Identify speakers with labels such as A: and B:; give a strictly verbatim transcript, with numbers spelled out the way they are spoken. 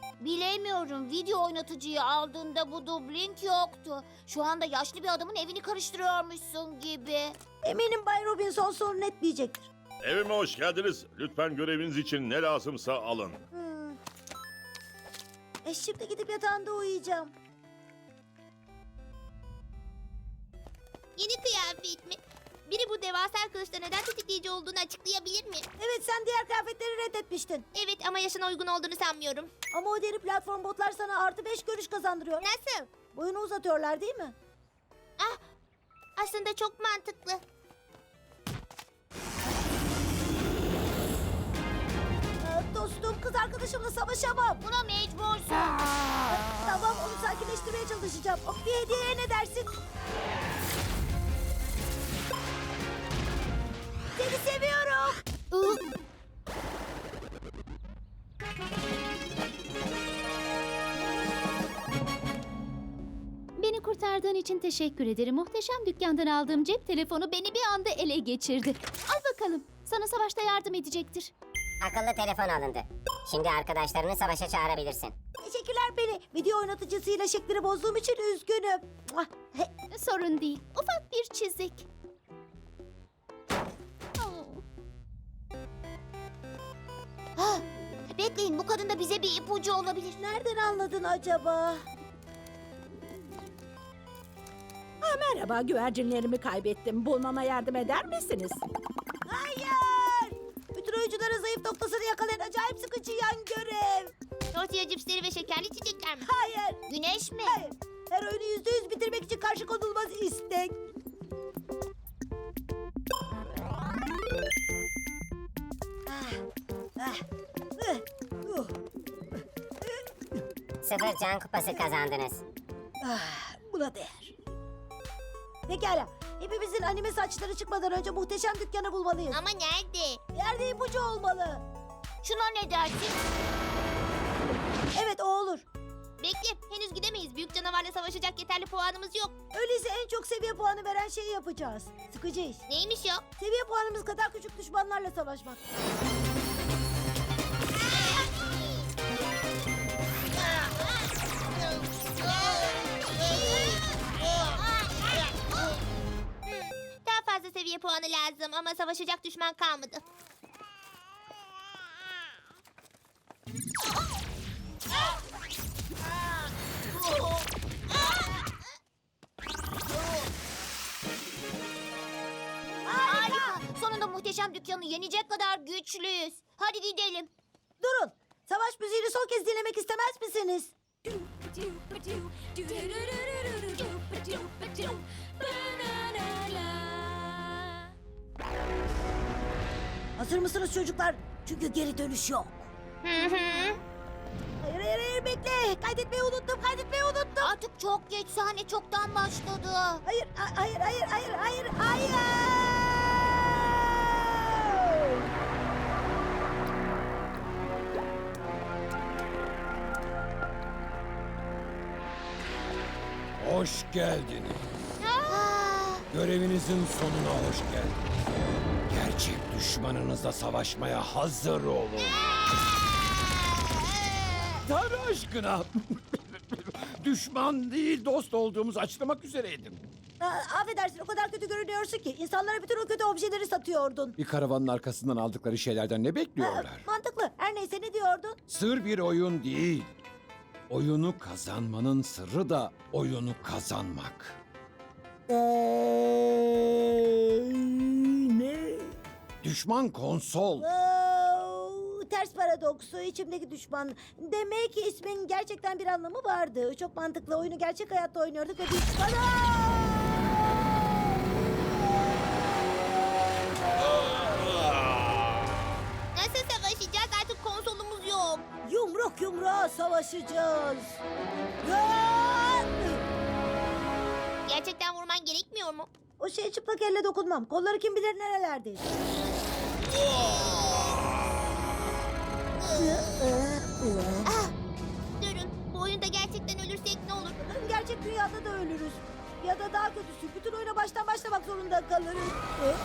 A: Bilemiyorum. Video oynatıcıyı aldığında bu dublink yoktu. Şu anda yaşlı bir adamın evini karıştırıyormuşsun gibi.
B: Eminim Bay Robinson sorun etmeyecektir.
C: Evime hoş geldiniz. Lütfen göreviniz için ne lazımsa alın.
B: Hmm. E şimdi gidip yatağında uyuyacağım.
D: Yeni kıyafet mi? Biri bu devasa kılıçta neden tetikleyici olduğunu açıklayabilir mi?
B: Evet, sen diğer kıyafetleri reddetmiştin.
D: Evet ama yaşına uygun olduğunu sanmıyorum.
B: Ama o deri platform botlar sana artı beş görüş kazandırıyor.
D: Nasıl?
B: Boyunu uzatıyorlar değil mi?
D: Ah, aslında çok mantıklı.
B: Aa, dostum, kız arkadaşımla savaşamam.
A: Buna mecbursun.
B: Tamam, onu sakinleştirmeye çalışacağım. O, bir hediyeye ne dersin? Seni seviyorum.
E: Beni kurtardığın için teşekkür ederim. Muhteşem dükkandan aldığım cep telefonu beni bir anda ele geçirdi. Al bakalım. Sana savaşta yardım edecektir.
F: Akıllı telefon alındı. Şimdi arkadaşlarını savaşa çağırabilirsin.
B: Teşekkürler Penny. Video oynatıcısıyla şeklini bozduğum için üzgünüm. Muah. He,
E: Sorun değil. Ufak bir çizik. Oh.
A: Ah, bekleyin, bu kadın da bize bir ipucu olabilir.
B: Nereden anladın acaba?
G: Merhaba, güvercinlerimi kaybettim. Bulmama yardım eder misiniz?
B: Hayır! Bütün oyuncuların zayıf noktasını yakalayan acayip sıkıcı yan görev.
D: Tortilla cipsleri ve şekerli içecekler mi?
B: Hayır,
A: Güneş mi?
B: hayır. Her oyunu yüzde yüz bitirmek için karşı konulmaz istek. Ah, ah, ıh, uh,
F: Sıfır can kupası kazandınız.
B: ah, buna değer. Pekala. Hepimizin anime saçları çıkmadan önce muhteşem dükkanı bulmalıyız.
D: Ama nerede?
B: Yerde ipucu olmalı.
A: Şuna ne dersin?
B: Evet, o olur.
D: Bekle, henüz gidemeyiz. Büyük canavarla savaşacak yeterli puanımız yok.
B: Öyleyse en çok seviye puanı veren şeyi yapacağız. Sıkıcı iş.
D: Neymiş o?
B: Seviye puanımız kadar küçük düşmanlarla savaşmak.
D: Daha fazla seviye puanı lazım ama savaşacak düşman kalmadı.
A: Harika. Sonunda muhteşem dükkanı yenecek kadar güçlüyüz. Hadi gidelim.
B: Durun. Savaş müziğini son kez dinlemek istemez misiniz? Hazır mısınız çocuklar? Çünkü geri dönüş yok.
D: Hı hı.
B: Hayır hayır hayır, bekle. Kaydetmeyi unuttum, kaydetmeyi unuttum.
A: Artık çok geç, sahne çoktan başladı.
B: Hayır a- hayır hayır hayır hayır hayır.
H: Hoş geldiniz. Görevinizin sonuna hoş geldiniz. Gerçek düşmanınızla savaşmaya hazır olun. Tanrı aşkına. Düşman değil, dost olduğumuzu açıklamak üzereydim.
B: Aa, affedersin, o kadar kötü görünüyorsun ki. İnsanlara bütün o kötü objeleri satıyordun.
H: Bir karavanın arkasından aldıkları şeylerden ne
B: Aa,
H: bekliyorlar?
B: mantıklı. Her neyse, ne diyordun?
H: Sır bir oyun değil. Oyunu kazanmanın sırrı da oyunu kazanmak.
B: Ne?
H: Düşman konsol.
B: Wow, ters paradoksu, içimdeki düşman. Demek ki ismin gerçekten bir anlamı vardı. Çok mantıklı. Oyunu gerçek hayatta oynuyorduk ve düşmana...
D: Nasıl savaşacağız? Artık konsolumuz yok.
B: Yumruk yumruğa savaşacağız. Aa!
D: Gerçekten vurman gerekmiyor mu?
B: O şeye çıplak elle dokunmam. Kolları kim bilir nerelerde.
D: Durun, bu oyunda gerçekten ölürsek ne olur?
B: Gerçek dünyada da ölürüz. Ya da daha kötüsü, bütün oyuna baştan başlamak zorunda kalırız.